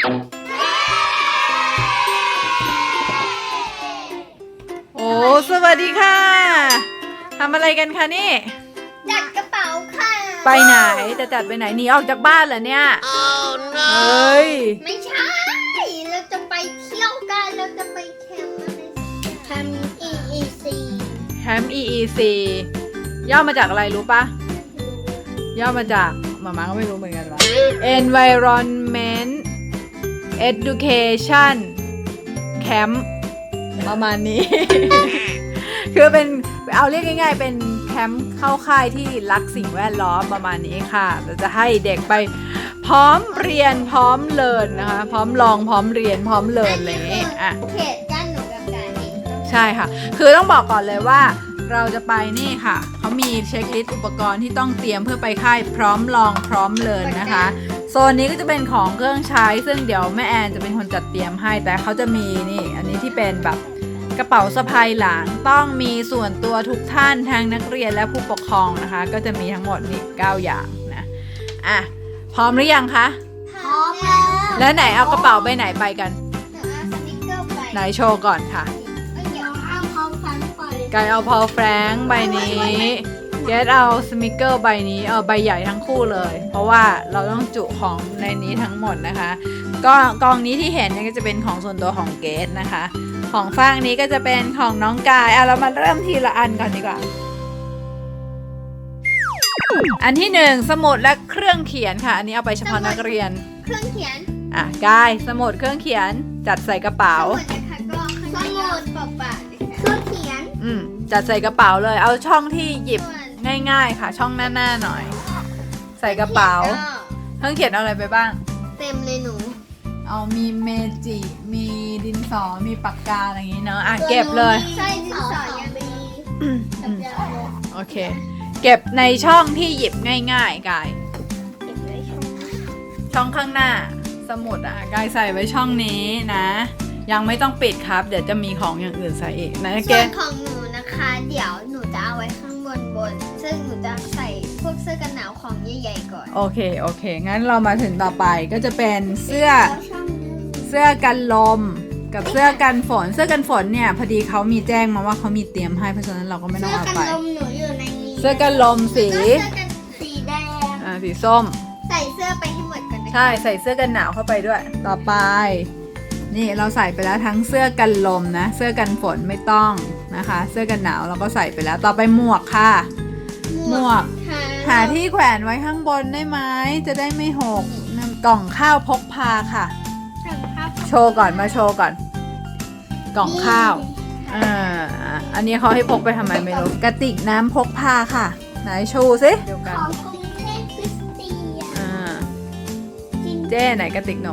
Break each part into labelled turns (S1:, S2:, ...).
S1: โอ้สวัสดีค่ะทำอะไรกันคะนี่
S2: จัดกระเป๋าค่ะ
S1: ไปไหนจะจัดไปไหนหนีออกจากบ้านเหรอเนี่ยเฮ้ย
S2: ไม่ใช่เราจะไปเที่ยวกันเราจะไปแคมป์อะไรแคมป์ EEC
S1: แคมป์ EEC ย่อมาจากอะไรรู้ปะย่อมาจากหมาก็ไม่รู้เหมือนกันว่า Environment Education Camp ประมาณนี้ คือเป็นเอาเรียกง่ายๆเป็นแคมป์เข้าค่ายที่รักสิ่งแวดล้อมประมาณนี้ค่ะเราจะให้เด็กไปพร้อมเรียนพร้อมเรียนนะคะพร้อมลองพร้อมเรียนพร้อมเรียนอะไรอย่างนี้อ่ะ
S2: เขตด้านหนูกับการเอง
S1: ใช่ค่ะคือต้องบอกก่อนเลยว่าเราจะไปนี่ค่ะเขามีเช็คลิสต์อุปกรณ์ที่ต้องเตรียมเพื่อไปค่ายพร้อมลองพร้อมเรียนนะคะโซนนี้ก็จะเป็นของเครื่องใช้ซึ่งเดี๋ยวแม่แอนจะเป็นคนจัดเตรียมให้แต่เขาจะมีนี่อันนี้ที่เป็นแบบกระเป๋าสะพายหลังต้องมีส่วนตัวทุกท่านทั้งนักเรียนและผู้ปกครองนะคะก็จะมีทั้งหมดนี่9อย่างนะอ่ะพร้อมหรือยังคะ
S2: พร้อมแล้ว
S1: แล้วไหนเอากระเป๋าใบไหนไปกัน
S2: สติ๊กเกอร์ไป
S1: ไหนโชว์ก่อนค่ะ
S2: เดี๋ยวเอาพอลแฟรงค์ไป
S1: กายเอาพอลแฟรงค์ใบนี้เกดเอาสมิเกอร์ใบนี้เอาใบใหญ่ทั้งคู่เลยเพราะว่าเราต้องจุของในนี้ทั้งหมดนะคะก็กองนี้ที่เห็นเนี่ยก็จะเป็นของส่วนตัวของเกดนะคะของฟางนี้ก็จะเป็นของน้องกายเรามาเริ่มทีละอันก่อนดีกว่าอันที่1สมุดและเครื่องเขียนค่ะอันนี้เอาไปเฉพาะนักเรียน
S2: เครื่องเขียน
S1: กายสมุดเครื่องเขียนจัดใส่กระเป๋า
S2: สมุดนะคะก็สมุดเปล่าๆเครื่องเขียน
S1: จัดใส่กระเป๋าเลยเอาช่องที่หยิบง่ายๆค่ะช่องหน้าหน่อยใส่กระเป๋าเครื่องเขียนเอาอะไรไปบ้าง
S2: เต็มเลยหนู
S1: เอามีเมจิมีดินสอมีปากกาอะไรอย่างงี้เนาะเก็บเลย
S2: ใช่ดินสอยังมี
S1: โอเคเก็บในช่องที่หยิบง่ายๆกาย
S2: เก็บใน
S1: ช่องข้างหน้าสมุดกายใส่ไว้ช่องนี้นะยังไม่ต้องปิดครับเดี๋ยวจะมีของอย่างอื่นใส่อีกนะ
S2: ส่วนของหนูนะคะเดี๋ยวหนูจะเอาไว้ข้างบนซึ่งหนูจะใส่พวกเสื้อกันหนาวของใหญ่ๆก่อน
S1: โอเคงั้นเรามาถึงต่อไปก็จะเป็นเสื้อกันลมกับเสื้อกันฝนเนี่ยพอดีเขามีแจ้งมาว่าเขามีเตรียมให้เพราะฉะนั้นเราก็ไม่ต้องเอาไป
S2: เสื้อกันลมหนูอยู่ในนี้
S1: เสื้อกันลมสี
S2: แดง
S1: สีส้ม
S2: ใส่เสื้อไปให้หมดก่อน
S1: ใช่ใส่เสื้อกันหนาวเข้าไปด้วยต่อไปนี่เราใส่ไปแล้วทั้งเสื้อกันลมนะเสื้อกันฝนไม่ต้องนะคะเสื้อกันหนาวเราก็ใส่ไปแล้วต่อไปหมวกค่ะหมวกหาที่แขวนไว้ข้างบนได้ไหมจะได้ไม่หกกล่องข้าวพกพาค่ะโชว์ก่อนมาโชว์ก่อนกล่องข้าวอันนี้เขาให้พกไปทำไมไม่รู้กระติกน้ำพกพาค่ะไหนโชว์สิเดียวกัน
S2: ของกรุงเทพคริสเตียน
S1: เจ้ไหนกระติกหนู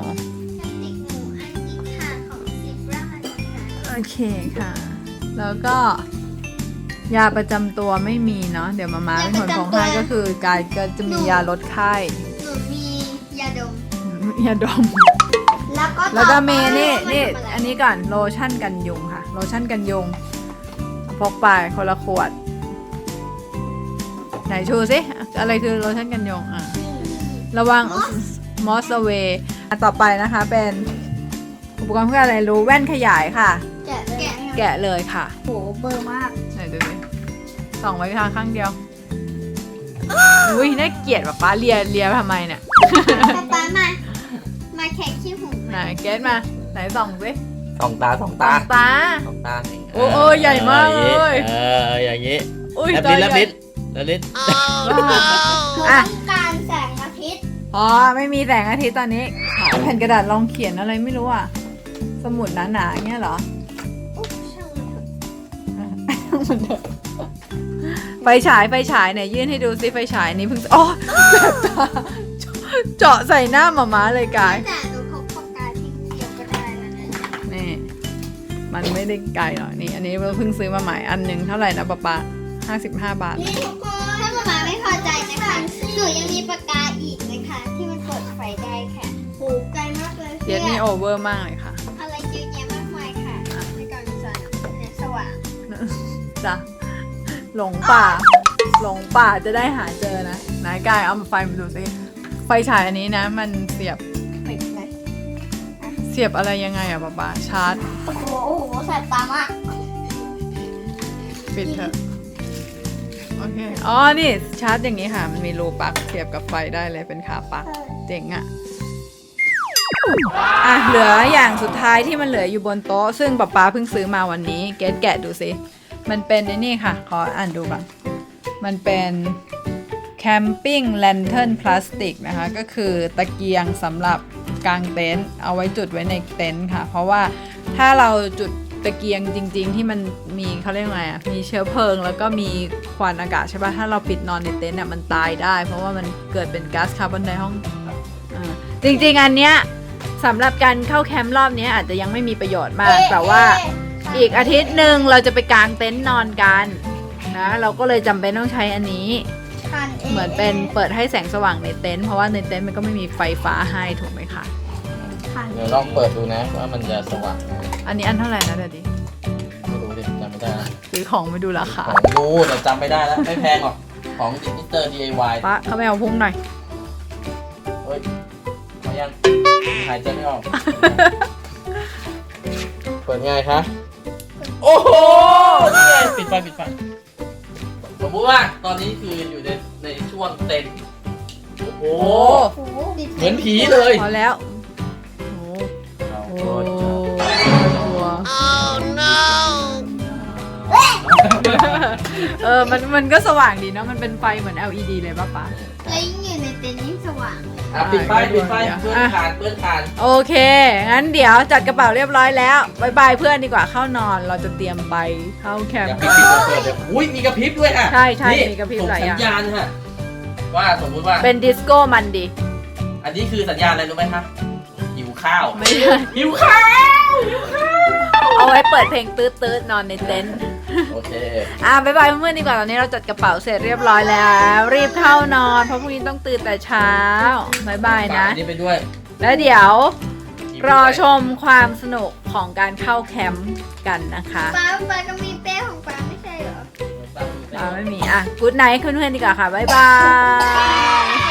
S1: โอเคค่ะแล้วก็ยาประจำตัวไม่มีเนาะเดี๋ยวมาเป็นคนพกให้ก็คือกายก็จะมียาลดไข้
S2: หนูมียาดม
S1: แล้วก็เมนี่อันนี้ก่อนโลชั่นกันยุงค่ะโลชั่นกันยุงพกไปคนละขวดไหนชูสิอะไรคือโลชั่นกันยุงระวังมอสเวย์ต่อไปนะคะเป็นอุปกรณ์เพื่ออะไรรู้แว่นขยายค่ะแกะเลยค่ะ
S2: โหเบอร์มาก
S1: ไหนดูสิส่องไว้ทางข้างเดียวอุ้ยน่าเกลียดป้าเลียทำไมเนี่ย
S2: ป้ามาแขกขี้หู
S1: ไหนเกตมาไหนส่องสิ
S3: ส่องตา
S1: โอ้ใหญ่มากเลย
S3: อย่างนี้
S1: อุ้ย
S3: แล้วลิ้น
S2: ต้องการแสงอาทิตย์
S1: ไม่มีแสงอาทิตย์ตอนนี้แผ่นกระดาษลองเขียนอะไรไม่รู้สมุดหนาๆเงี้ยเหรอไฟฉายไหนยื่นให้ดูซิไฟฉายนี้เพิ่งแสบตาเจาะใส่หน้าหม่าเลยกาย
S2: แต่หนูพกปากกาที่เดียวก็ได้แล้ว
S1: นี่มันไม่ได้ไกลหรอกนี่อันนี้เพิ่งซื้อมาใหม่อันนึงเท่าไหร่นะป๊า55 บาท
S2: นี่ทุกคนถ้าหม่าไม่พอใจนะคะหนูยังมีปากกาอีกนะคะที่มันเปิดไฟได้ค่ะโหไกลมากเลย
S1: เย็ดนี่โอเวอร์มากเลยค่ะ
S2: อะไรเยอะแยะมากมายค่ะในการใส่สว่าง
S1: จ้ะหลงป่าจะได้หาเจอนะนายกายเอาไฟมาดูสิไฟฉายอันนี้นะมันเสียบเสียบอะไรยังไงอะป๊าชาร์จ
S2: โอ้โหแสบตามาก
S1: ปิดเถอะโอเคอ๋อนี่ชาร์จอย่างนี้ค่ะมันมีรูปลั๊กเสียบกับไฟได้เลยเป็นขาปลั๊กเจ๋งอะเหลืออย่างสุดท้ายที่มันเหลืออยู่บนโต๊ะซึ่งป๊าเพิ่งซื้อมาวันนี้เกดแกะดูสิมันเป็นไอ้นี่ค่ะขออ่านดูก่อนมันเป็นแคมปิ้งแลนเทิร์นพลาสติกนะคะก็คือตะเกียงสำหรับกางเต็นท์เอาไว้จุดไว้ในเต็นท์ค่ะเพราะว่าถ้าเราจุดตะเกียงจริงๆที่มันมีเขาเรียกไงอ่ะมีเชื้อเพลิงแล้วก็มีควันอากาศใช่ป่ะถ้าเราปิดนอนในเต็นท์อ่ะมันตายได้เพราะว่ามันเกิดเป็นก๊าซคาร์บอนไดออกไซด์จริงๆอันเนี้ยสำหรับการเข้าแคมป์รอบนี้อาจจะยังไม่มีประโยชน์มากแต่ว่าอีกอาทิตย์หนึ่งเราจะไปกางเต็นท์นอนกันนะเราก็เลยจำเป็นต้องใช้อันนี้เหมือนเป็นเปิดให้แสงสว่างในเต็นท์เพราะว่าในเต็นท์มันก็ไม่มีไฟฟ้าให้ถูกไหมคะ
S3: เดี๋ยวลองเปิดดูนะว่ามันจะสว่างไหม
S1: อันนี้อันเท่าไหร่นะเดี๋ยวดิ
S3: ไม่รู้ดิจำไม่ได้นะ
S1: ซื้อของไม่ดูราคา
S3: ของรู้แต่จำไม่ได้แล้วไม่แพงหรอกของมิสเตอร์ DIY
S1: ป้าเข้าไปเอาพุ่งหน่อย
S3: เฮ้ยมายังหายใจไม่ออก เปิดง่ายคะโอ้โหนี่ไงปิดไฟสมมติว่าตอนนี้คืออยู่ในช่วงเต็นท์โอ้โห
S2: โอ้โห
S3: เหมือนผีเลย
S1: พอแล้วโอ้
S3: เอา
S1: โห
S3: โอ้ย
S1: กลัวมันก็สว่างดีเนาะมันเป็นไฟเหมือน LED เลยป่ะป๊า
S2: แล้วยิ่งอยู่ในเต็นท์ยิ่งสว่างเลย
S3: อ่ะปิดไฟเพื่อนทาน
S1: โอเค งั้นเดี๋ยวจัดกระเป๋าเรียบร้อยแล้วบายบายเพื่อนดีกว่าเข้านอนเราจะเตรียมไปเข้าแคม
S3: อย่า
S1: ป์
S3: ปิ
S1: กั
S3: ด
S1: น
S3: เปิดเดี๋ยวอุ้ยมีกระพริบด้วยอ่ะ
S1: ใช่
S3: นี่
S1: มีกระพริบ
S3: ส่ง
S1: หลายอ
S3: สั
S1: ย่าง
S3: ญญาณฮะว่าสมมุติว่า
S1: เป็นดิสโก้มันดี
S3: อันนี้คือสัญญาณอะไรรู้ไหมคะหิวข้าว
S1: ไม่ใช่
S3: หิวข้าว
S1: เอาไว้เปิดเพลงตืดๆนอนในเต็นท์
S3: โอเค
S1: บายบายเพื่อนๆดีกว่าตอนนี้เราจัดกระเป๋าเสร็จเรียบร้อยแล้ว รีบเข้านอนเพราะพรุ่งนี้ต้องตื่นแต่เช้าบายบายนะ
S3: อันนี้ไปด้วย
S1: แล้วเดี๋ยวรอชมความสนุกของการเข้าแคมป์กันนะคะ
S2: ป้าก็มีเป้ของป้าไม่ใช่เหรอ
S1: ไม่มีกู๊ดไนท์เพื่อนๆดีกว่าค่ะบายบาย